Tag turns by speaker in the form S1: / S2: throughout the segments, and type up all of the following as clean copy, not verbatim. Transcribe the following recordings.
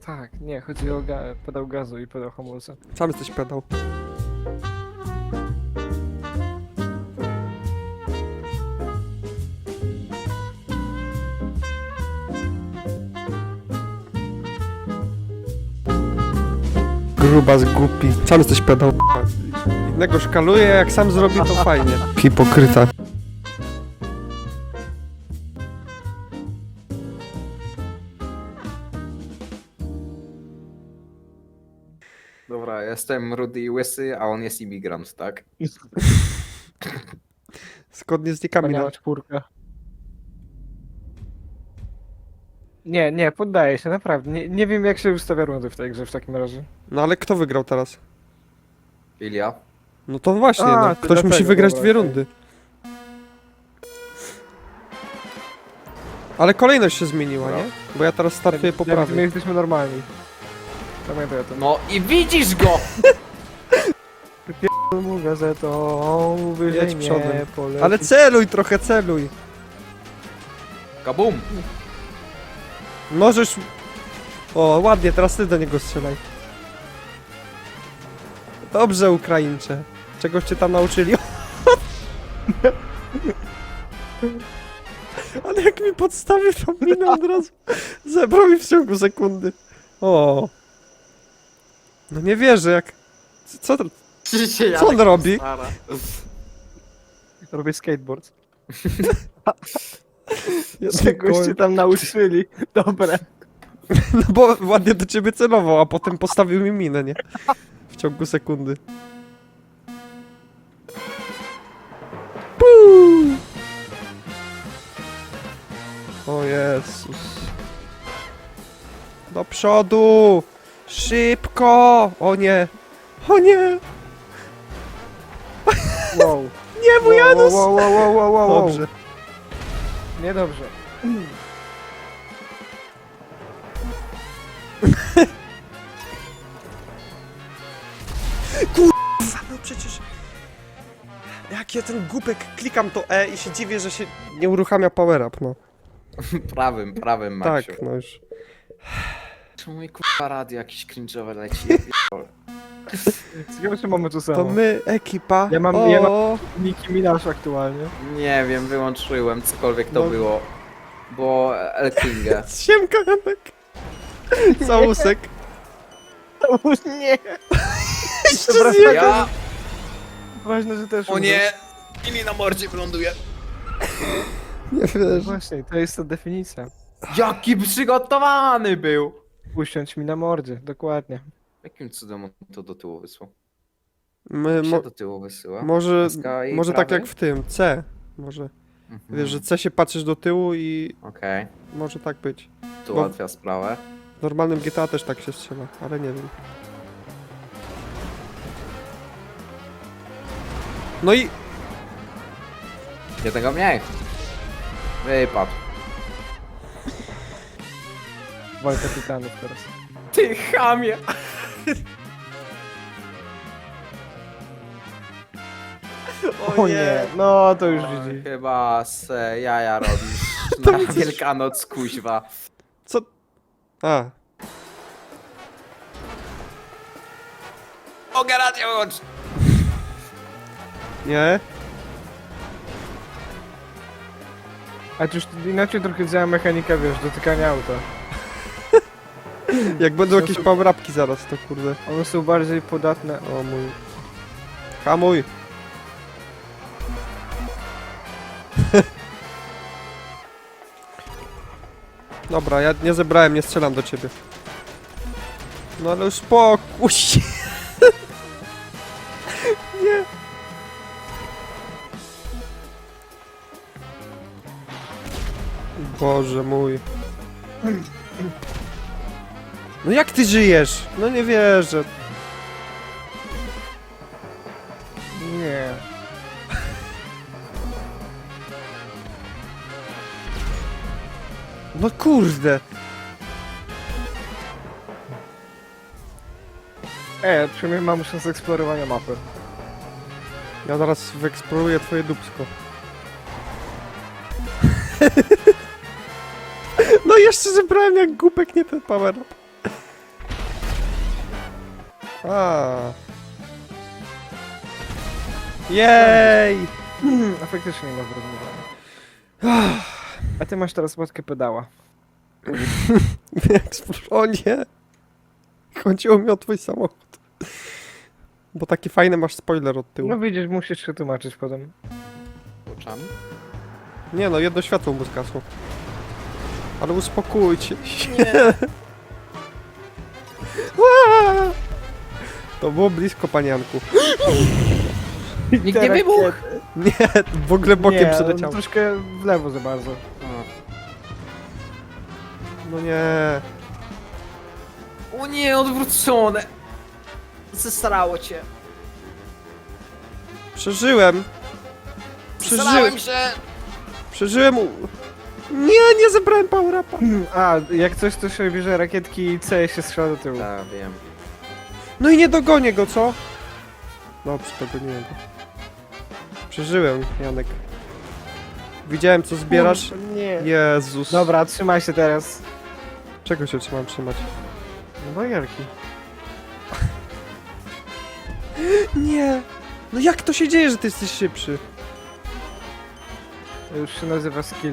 S1: Tak, nie, chodzi o pedał gazu i pedał hamulca.
S2: Sam jesteś pedał. Grubas głupi. Sam jesteś pedał. Innego szkaluje, jak sam zrobi, to fajnie. Hipokryta.
S3: Dobra, jestem rudy i łysy, a on jest imigrant, tak?
S2: Zgodnie z nikami.
S1: Wspaniała czwórka. Nie, poddaję się, naprawdę. Nie wiem jak się ustawia rundy w tej grze w takim razie.
S2: No ale kto wygrał teraz?
S3: Ilia?
S2: No to właśnie,
S1: A,
S2: no.
S1: to
S2: Ktoś
S1: dlatego,
S2: musi wygrać
S1: dobra,
S2: dwie
S1: okej.
S2: rundy. Ale kolejność się zmieniła,
S3: Dobra.
S2: nie? Bo ja teraz startuję po
S1: My
S2: prawej.
S1: jesteśmy normalni. Pamiętaj o tym.
S3: No i widzisz go!
S1: Mu gazetą, wyżej
S2: Jedź przodem.
S1: nie poleci.
S2: Ale celuj trochę, celuj.
S3: Kabum!
S2: Możesz... O, ładnie, teraz ty do niego strzelaj. Dobrze, Ukraińcze. Czegoś cię tam nauczyli? Ale jak mi podstawił tą minę od razu, zebrał mi w ciągu sekundy. O. No nie wierzę, jak... Co on robi?
S1: Robię skateboard.
S2: Ja
S1: Czegoś cię tam nauczyli. Dobra.
S2: No bo ładnie do ciebie celował, a potem postawił mi minę, nie? W ciągu sekundy. Puu! O Jezus. Do przodu! Szybko! O nie! O nie!
S1: Wow.
S2: Nie, mój Janus!
S1: Wow.
S2: Dobrze.
S1: Niedobrze.
S2: No przecież... Jak ja ten głupek klikam to E i się dziwię, że się nie uruchamia power up, no.
S3: Prawym, Maksiu.
S2: Tak, no już.
S3: Czemu mi kurwa radio jakiś cringe'owy leci? Ja pierdolę.
S1: Ciekawe, czy mamy to samo.
S2: To my, ekipa.
S1: Ja mam-
S2: o,
S1: ja Nicki Minaj aktualnie.
S3: Nie wiem, wyłączyłem cokolwiek to
S2: No.
S3: było. Bo El Kingę.
S2: Siemka, Janek. Całusek.
S1: Nie.
S2: Jeszcze
S1: Dobra,
S2: zjebał.
S3: Ja...
S1: Ważne, że też
S3: O nie! Ili na mordzie wyląduje.
S2: Nie
S1: No
S2: wiesz.
S1: właśnie, to jest ta definicja.
S3: Jaki przygotowany był!
S1: Usiądź mi na mordzie, dokładnie.
S3: Jakim cudem on to do tyłu wysłał?
S2: My,
S3: Jak się do tyłu wysyła?
S2: może
S3: SK i
S2: może tak
S3: prawej?
S2: jak w tym, C. Może.
S3: Mhm.
S2: Wiesz, że C się patrzysz do tyłu i
S3: Okej,
S2: może tak być.
S3: tu
S2: Bo-
S3: ułatwia sprawę.
S2: W normalnym GTA też tak się strzela, ale nie wiem. No i
S3: Jednego mniej. Wypadł.
S1: Walka tytanów teraz.
S3: Ty chamie!
S1: O nie, no to już
S3: Oj,
S1: widzi.
S3: chyba se jaja robisz
S2: To
S3: na
S2: widzisz.
S3: Wielkanoc, kuźwa.
S2: co? A,
S3: Mogę radio wyłączyć!
S2: nie?
S1: A to już inaczej trochę działa mechanika, wiesz, dotykania auta.
S2: Jak będą jakieś power-upki zaraz, to kurde.
S1: One są bardziej podatne.
S2: O mój. Hamuj. Dobra, ja nie zebrałem, nie strzelam do ciebie. No ale już spokój się. Nie. Boże mój. No jak ty żyjesz? No nie wierzę.
S1: Nie.
S2: No kurde.
S1: Przynajmniej mam szansę eksplorowania mapy.
S2: Ja zaraz wyeksploruję twoje dupsko. No jeszcze zebrałem jak głupek, nie ten power up. A. Jej!
S1: A faktycznie nie ma wyrównywania. A ty masz teraz łatkę pedała.
S2: O nie! Chodziło mi o twój samochód. Bo taki fajny masz spoiler od tyłu.
S1: No widzisz, musisz się tłumaczyć potem.
S3: Oczami?
S2: Nie no, jedno światło mu zgasło. Ale uspokójcie się. Aaa! To było blisko, panianku.
S3: Nikt nie wybuchł!
S2: Nie, w ogóle bokiem
S1: nie,
S2: przeleciał.
S1: on troszkę w lewo za bardzo.
S2: No nie.
S3: O nie, odwrócone! Zesrało cię.
S2: Przeżyłem.
S3: Zesrałem się!
S2: Przeżyłem. Nie, nie zebrałem power-upa.
S1: A, jak coś to się bierze rakietki i C się strzela do tyłu.
S3: Tak, wiem.
S2: No i nie dogonię go, co? Dobrze, dogoniłem go. Przeżyłem, Janek. Widziałem, co zbierasz.
S1: Nie.
S2: Jezus.
S1: Dobra, trzymaj się teraz.
S2: Czego się trzymam trzymać?
S1: No bajerki.
S2: Nie. No jak to się dzieje, że ty jesteś szybszy?
S1: To już się nazywa skill.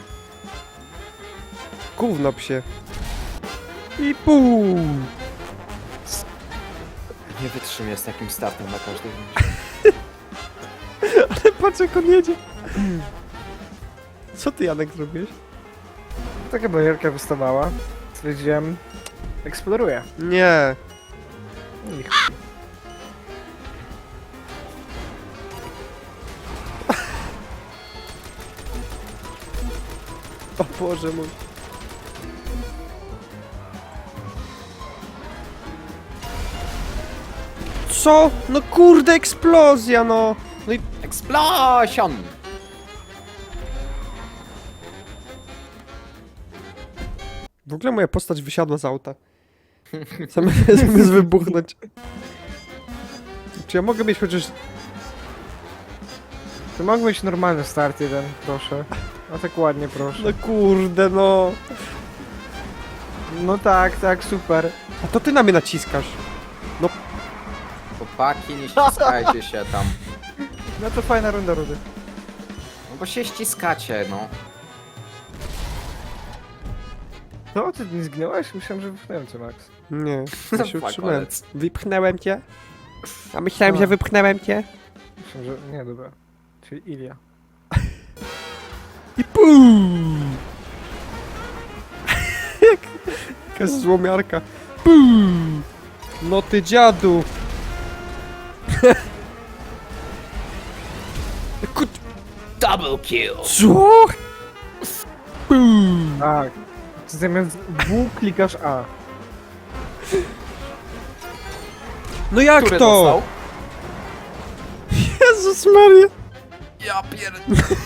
S2: Gówno psie. I pół.
S3: Nie wytrzymię z takim startem na każdym.
S2: Patrz jak on jedzie. Co ty, Janek, zrobiłeś?
S1: Taka bajerka wystawała. Stwierdziłem, eksploruję.
S2: Nie.
S1: I
S2: O Boże mój. Co? No kurde, eksplozja, no. No i
S3: Explosion!
S2: w ogóle moja postać wysiadła z auta. Zamiast wybuchnąć. Czy ja mogę mieć chociaż...
S1: To mógł być normalny start jeden, proszę. A tak ładnie, proszę.
S2: No kurde, no.
S1: No tak, tak, super.
S2: A to ty na mnie naciskasz.
S3: Chłopaki, nie ściskajcie się tam.
S1: No to fajna runda, Rudy.
S3: No bo się ściskacie, no.
S1: No, ty nie zginąłeś? Myślałem, że wypchnąłem cię, Max.
S2: Nie, ja się
S3: Fuck,
S2: utrzymałem.
S3: walec.
S2: Wypchnąłem cię. A myślałem,
S1: A.
S2: że wypchnąłem cię.
S1: Myślałem, że... Nie, dobra. Czyli Ilia.
S2: I pum! Jakaś złomiarka. Pum! No ty dziadu!
S3: Double kill!
S2: Co? Pum!
S1: Tak. Zamiast W klikasz A.
S2: No jak
S3: Który
S2: to?
S3: dostał?
S2: Jezus Maria!
S3: Ja pierd...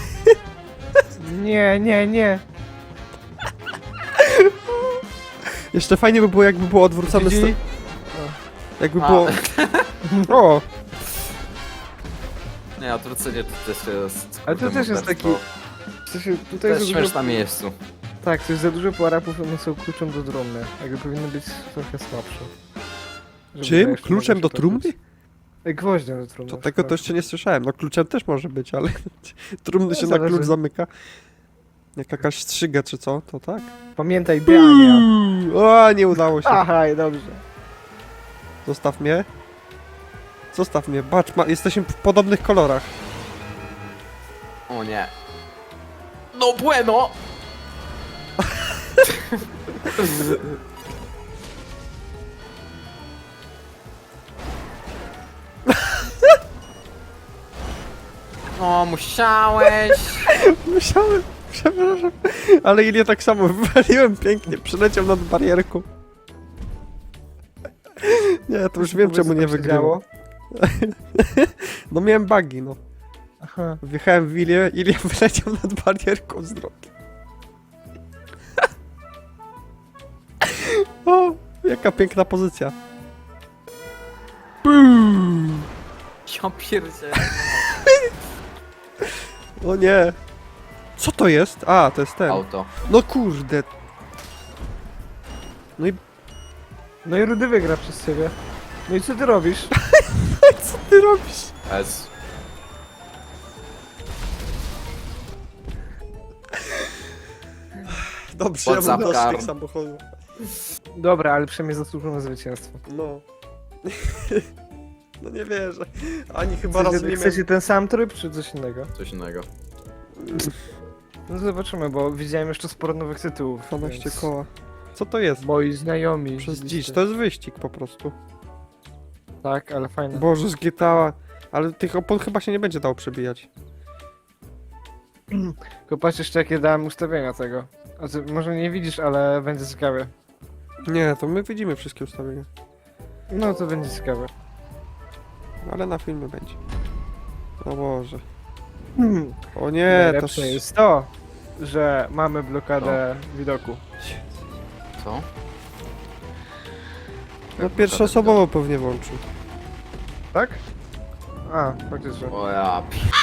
S1: Nie, nie, nie.
S2: Jeszcze fajnie by było, jakby było odwrócone
S1: GG.
S2: Jakby
S3: A.
S2: było... O!
S3: Nie, odwrócenie to też jest...
S1: Ale to też jest taki... W sensie,
S3: To
S1: tutaj
S3: jest
S1: za dużo...
S3: śmieszne na miejscu.
S1: Tak, to jest za dużo power-upów, one są kluczem do trumny. Jakby powinny być trochę słabsze. Żeby
S2: Czym?
S1: jeszcze
S2: Kluczem
S1: mogło
S2: do
S1: się
S2: trumny?
S1: topić. Gwoździem do trumny.
S2: To tego to jeszcze nie słyszałem. No kluczem też może być, ale trumny
S1: No,
S2: się na
S1: zależy.
S2: klucz zamyka. Jak jakaś strzyga czy co, to tak.
S1: Pamiętaj, Diania.
S2: O, nie udało się.
S1: Aha, i dobrze.
S2: Zostaw mnie. Zostaw mnie. Patrz, jesteśmy w podobnych kolorach.
S3: O nie. No bueno! No, musiałeś!
S2: Musiałem, przepraszam. Ale Ilię tak samo wywaliłem pięknie. Przyleciał nad barierką. Nie, to już wiem czemu nie wygrało. No miałem bugi, no.
S1: Aha.
S2: Wjechałem w Ilię, Ilia wyleciał nad barierką z drogi. O, jaka piękna pozycja. Boom.
S3: Ja pierdzielę.
S2: O nie. Co to jest? A, to jest ten.
S3: Auto.
S2: No kurde. No i
S1: No i Rudy wygra przez ciebie. No i co ty robisz?
S2: Co ty robisz?
S3: S.
S2: Dobrze, ja mam
S3: WhatsApp
S2: dość
S3: karm.
S2: tych samochodów.
S1: Dobra, ale przynajmniej zasłużył na zwycięstwo.
S2: No. No nie wierzę. Ani chyba raz
S1: Chcecie,
S2: nie
S1: chcecie ten sam tryb, czy coś innego?
S3: Coś innego.
S1: No zobaczymy, bo widziałem jeszcze sporo nowych tytułów.
S2: 12
S1: więc
S2: koła. Co to jest?
S1: Moi znajomi.
S2: Przez
S1: widzieliście.
S2: dziś, to jest wyścig po prostu.
S1: Tak, ale fajne.
S2: Boże, z GTA. Ale tych opon chyba się nie będzie dało przebijać.
S1: Tylko patrz jeszcze jakie dałem ustawienia tego. A ty może nie widzisz, ale będzie ciekawe.
S2: Nie, to my widzimy wszystkie ustawienia.
S1: No to będzie ciekawe.
S2: Ale na filmie będzie. O Boże.
S1: Hmm.
S2: O nie, to...
S1: Najlepsze jest to, że mamy blokadę widoku.
S3: Co?
S2: No pierwszoosobowo pewnie włączył.
S1: Tak? A, faktycznie.
S3: O ja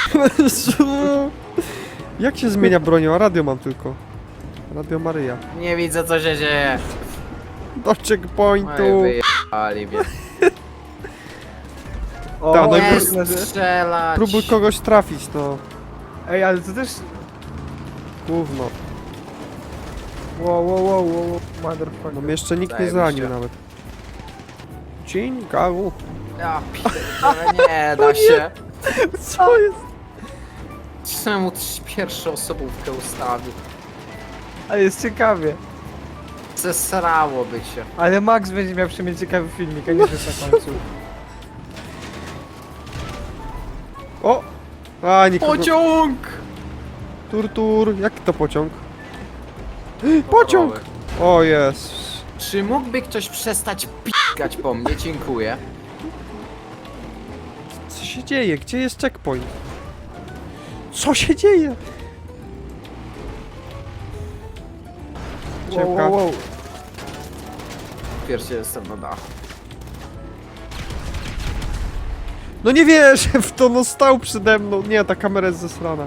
S2: Jak się zmienia bronią? A radio mam tylko. Radio Maryja.
S3: nie widzę co się dzieje.
S2: Do checkpointu.
S3: Oj, wyjebali mnie.
S1: O,
S2: Ta, no i
S3: Nie
S2: pró-
S3: strzelać.
S2: Próbuj kogoś trafić, no.
S1: Ej, ale to też...
S2: Gówno.
S1: Wow, motherfucker.
S2: No mnie jeszcze nikt nie
S3: Zajebiście.
S2: zranił nawet. Dzień, gagu.
S3: Ja pierdolę, nie da się.
S2: Co jest?
S3: Czemu też pierwszoosobówkę ustawił?
S1: Ale jest ciekawie.
S3: Zesrałoby się.
S1: Ale Max będzie miał przynajmniej ciekawy filmik, a nie że na końcu.
S2: O! A, nikogo.
S3: Pociąg!
S2: Tur. Jaki to pociąg? Pociąg! O jest.
S3: Czy mógłby ktoś przestać pikać po mnie? Dziękuję.
S2: Co się dzieje? Gdzie jest checkpoint? Co się dzieje? Ciemka.
S1: Wow.
S3: Pierwszy jestem na dachu.
S2: No nie wierzę w to, no stał przede mną. Nie, ta kamera jest zesrana.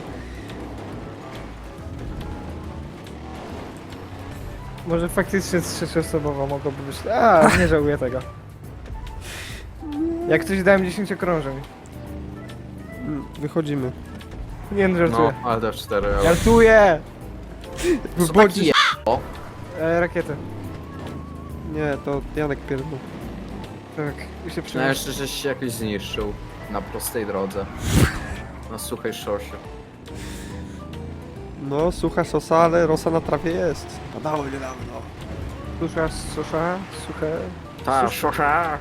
S1: Może faktycznie trzecioosobowa mogłaby być. A, nie żałuję tego. Jak coś dałem 10 okrążeń.
S2: Wychodzimy.
S1: Nie no, żartuję.
S3: No, ale też 4 euro.
S1: Żartuję!
S3: Co taki je... O,
S1: Rakiety.
S2: Nie, to Janek pierdol.
S1: Tak, i się
S3: no
S1: przyniesie.
S3: jeszcze żeś się jakoś zniszczył. Na prostej drodze. Na suchej szosie.
S2: No, sucha sosa, ale rosa na trawie jest. Padało niedawno.
S1: Susza, suche.
S3: Ta, szosza.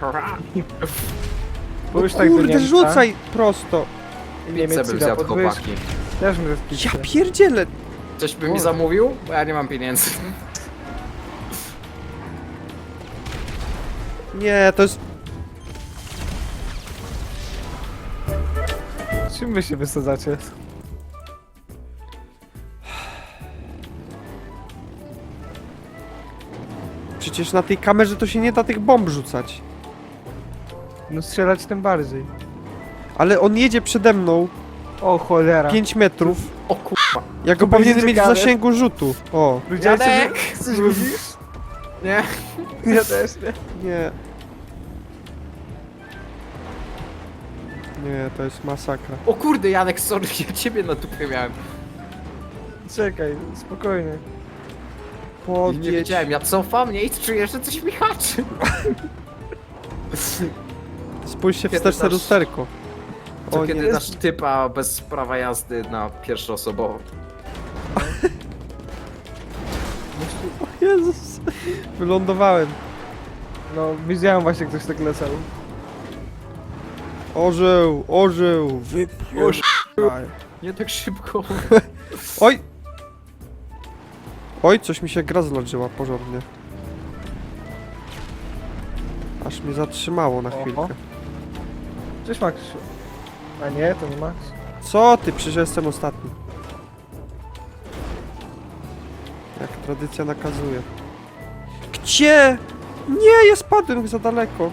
S1: Bo już
S2: No
S1: tak do
S2: kurde,
S1: Niemca.
S2: rzucaj prosto.
S1: Niemiec
S3: Pizzę
S1: ci
S3: bym
S1: da
S3: zjadł,
S1: podwyżki.
S3: chłopaki.
S1: Też bym zjadł
S2: Ja
S1: pizzę.
S2: pierdzielę.
S3: Coś by mi zamówił? Bo ja nie mam pieniędzy.
S2: Nie, to jest...
S1: Czym wy się wysadzacie?
S2: Przecież na tej kamerze to się nie da tych bomb rzucać.
S1: No strzelać tym bardziej.
S2: Ale on jedzie przede mną
S1: O cholera.
S2: 5 metrów.
S3: O kurwa.
S2: Ja go
S1: To będzie
S2: powinienem mieć w
S1: ciekawe.
S2: zasięgu rzutu. O,
S1: Widziałeś, co
S3: Janek!
S1: ty- coś mówisz?
S3: Nie?
S1: Ja też nie.
S2: nie. Nie, to jest masakra.
S3: O kurde, Janek, sorry, ja ciebie na dupie miałem.
S1: Czekaj, spokojnie.
S3: I nie
S2: Podjedź.
S3: wiedziałem, ja cofam, nie? I czuję, że coś mi haczy.
S2: Spójrz się
S3: Kiedy
S2: wsteczne
S3: dasz-
S2: lusterko.
S3: To
S2: O
S3: kiedy
S2: nie.
S3: dasz typa bez prawa jazdy na pierwszoosobową.
S2: Jezus. Wylądowałem.
S1: No, widziałem właśnie, ktoś tak lecał.
S2: Orzeł. Wypierdaj.
S3: Nie tak szybko.
S2: Oj! Oj, coś mi się gra zlożyła porządnie. Aż mnie zatrzymało na
S1: Oho.
S2: chwilkę.
S1: Cześć Max. A nie, to nie Max.
S2: Co ty? Przecież jestem ostatni. Jak tradycja nakazuje. Gdzie? Nie, ja spadłem za daleko.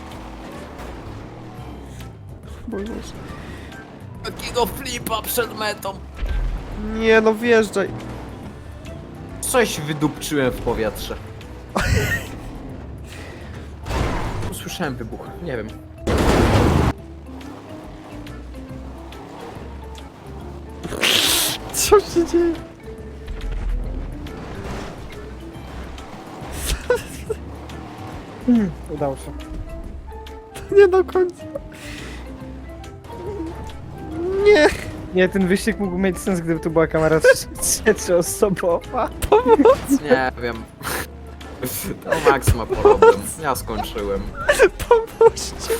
S2: Boże.
S3: Takiego flipa przed metą.
S2: Nie, no wjeżdżaj.
S3: Coś wydupczyłem w powietrze. usłyszałem wybuch, nie wiem.
S2: Co się dzieje?
S1: Udało się.
S2: Nie do końca. Nie.
S1: Nie, ten wyścig mógł mieć sens, gdyby tu była kamera trzecioosobowa.
S3: Nie wiem. To Max ma problem. Ja skończyłem.
S2: Pomóżcie.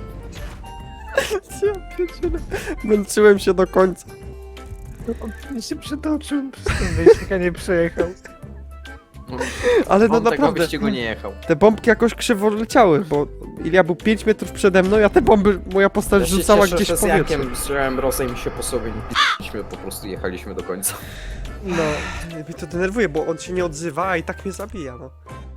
S2: Ja pierdzielę. Męczyłem się do końca.
S1: On się przetoczył przez ten wyścig, a nie przejechał.
S2: Ale no
S3: On tego
S2: naprawdę,
S3: wyścigu nie jechał.
S2: te bombki jakoś krzywo leciały, bo Ilia był 5 metrów przede mną, a te bomby moja postać
S3: Ja się
S2: rzucała
S3: cieszę,
S2: gdzieś
S3: że
S2: w
S3: z
S2: powietrze.
S3: Jakiem strzałem Rosem się po sobie nie po prostu jechaliśmy do końca.
S2: No, mnie to denerwuje, bo on się nie odzywa, a i tak mnie zabija, no.